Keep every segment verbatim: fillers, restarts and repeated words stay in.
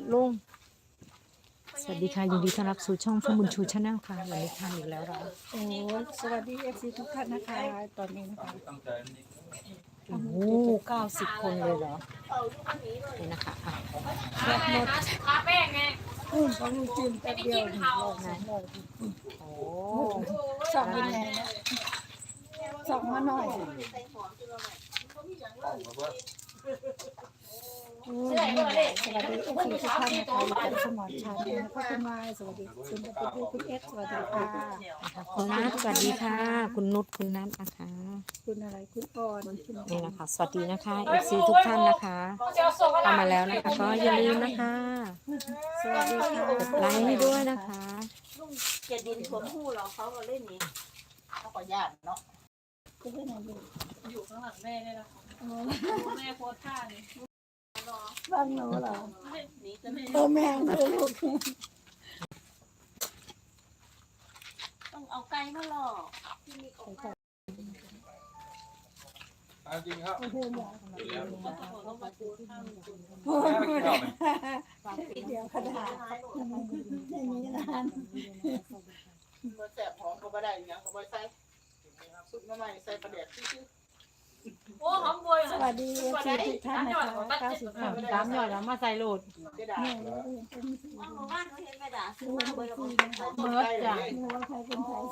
ลุงสวัสดีค่ะยินดีต้อนรับสู่ช่องฟบุญชูชาแนลค่ะวันนี้ทำอีกแล้วเราโอ้สวัสดีเอฟซีทุกท่านนะคะตอนนี้นะคะโอ้โหเก้าสิบคนเลยเหรอนี่นะคะอ่ะแซ่บหมดทาแป้งไงอืมของลูกจิ้มแป๊บเดียวหนึ่งรอบสองรอบโอ้สองยังไงนะสองมาหน่อยโอ้ยสวัสดีเอฟซีทุกท่านนะคะอยู่กับสมอนชาแนลนะคะคุณมายสวัสดีคุณตะปุกคุณเอสสวัสดีค่ะคุณนัทสวัสดีค่ะ คุณนุชคุณนัทนะคะคุณอะไรคุณอ่อนคุณนี่นะคะสวัสดีนะคะเอฟซีทุกท่านนะคะเข้ามาแล้วนะคะก็อย่าลืมนะคะสวัสดีค่ะกดไลค์ให้ด้วยนะคะลุงเกียรติดินสวมหูเราเขาก็เล่นนี้เขาก็ญาติเนาะคุณเป็นอะไรอยู่อยู่ข้างหลังแม่เนี่ยนะแม่โพสท่านี่บ้านหนูเหรอนี่ก็ไม่เออแม่ดูลูกต้องเอาไก่มาหลอกจริงครับเพื่อนอยากโอ้ยเดี๋ยวขนาดอย่างนี้นานมาแสบหอมก็ไม่ได้ยังก็ไม่ใส่สุดมาใหม่ใส่ประเดี๋ยวชื่อโอ้หอมบวยสวัสดีเอฟซีทุกท่านนะคะเก้าสิบสามสามหยอดแล้วมาใส่โหลดกระดาษเนี่ยเป็นว่าหมู่บ้านเขาเห็นกระดาษซื้อมาเบอร์ละคนเมิร์ดจ้ะเนี่ยว่าใครเป็นใคร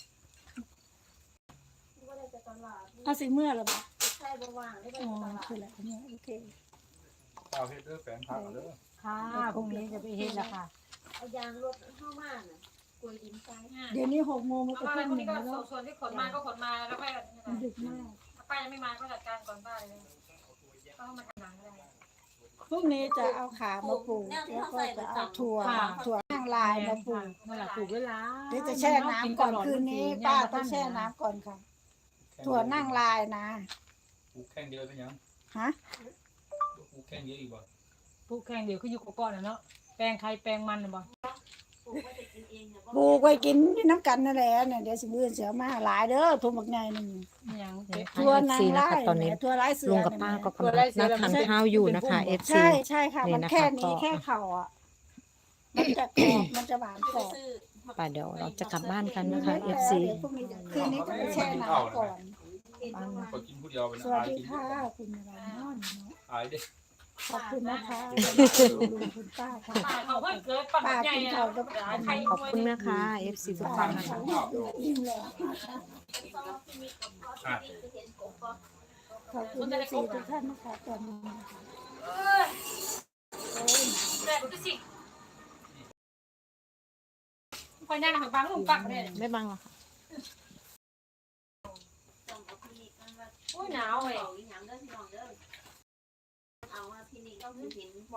เอาสีเมื่อหรอปะใช่ระว่างได้อ๋อเป็นตลาดคือแหละเนี่ยโอเคข้าวเฮ็ดเด้อแฟนผักเด้อค่ะพรุ่งนี้จะไปเฮ็ดแล้วค่ะเอายางรถเข้ามาน่ะกลวยดินทรายเดี๋ยวนี้หกโมงมันเพก็ราะว่าขึ้นพหรุ่งนึ่นี้งก็แล้วส่วนที่ขนมาก็ขนมาแล้วก็มันดึกมากถ้าป้ายังไม่มาก็จัดการก่อนป้าเลยก็มาทำหนังได้พรุ่งนี้จะเอาขามาปลูกแล้วก็จะเอาถั่วถั่วข้างลายมาปลูกเมื่อไหร่ปลูกเวลาเดี๋ยวจะแช่น้ำก่อนคืนนี้ป้าต้องแช่น้ำก่อนค่ะ ถั่วนั่งลายนะปลูกแข่งเดียวเป็นยังฮะปลูกแข่งเดียวอีกบ่ปลูกแข่งเดี๋ยวเขาอยู่ก่อนนะเนาะแปลงใครแปลงมันนะบ่ปลูกไว้จะกินเองเนี่ยปลูกไว้กินน้ำกันนั่นแหละเนี่ยเดี๋ยวสิมื้อเสือมาหลายเด้อทุ่มบักใหญ่นึงยังถั่วนาซีงนะลาคะยตอนนี้เนี่ยถั่วลายเสือลุงกับป้าก็กำลังนั่งทานข้าวอยู่นะคะเอฟซีใช่ใช่ค่ะนี่มันนะคะแค่นี้ก็แค่เข่าอ่ะมันจะกรอบมันจะหวานกรอบซื้อป่าเดี๋ยวเราจะกลับบ้านกันนะคะเอฟซีเดี๋ยวพรุ่งนี้คืนนี้จะไปแช่น้ำก่อนก็กินผู้เดียวเป็นสวัสอายดีกินค่ะคุณอะไรนอนเนาะอายเด้ขอบคุณนะคะลุงคุณป้าค่ะป้าเขาเพิ่งเกิดปัญป้าหาใหญ่กินนะข้าวกับใครขอบคุณนะคะเอฟซีทุกป้าท่านนะคะอิ่มแล้วอ่ะขอบคุณเอฟซีทุกท่านนะคะตอนนี้นะคะแต่ดูสิคอยนั่งหักบังลุงปักเลยไม่บังหรอกค่ะโอ้ยหนาวเลยเอาอีหยังเด้อพี่น้องเด้อเอาว่าที่นี่ก็คือเห็น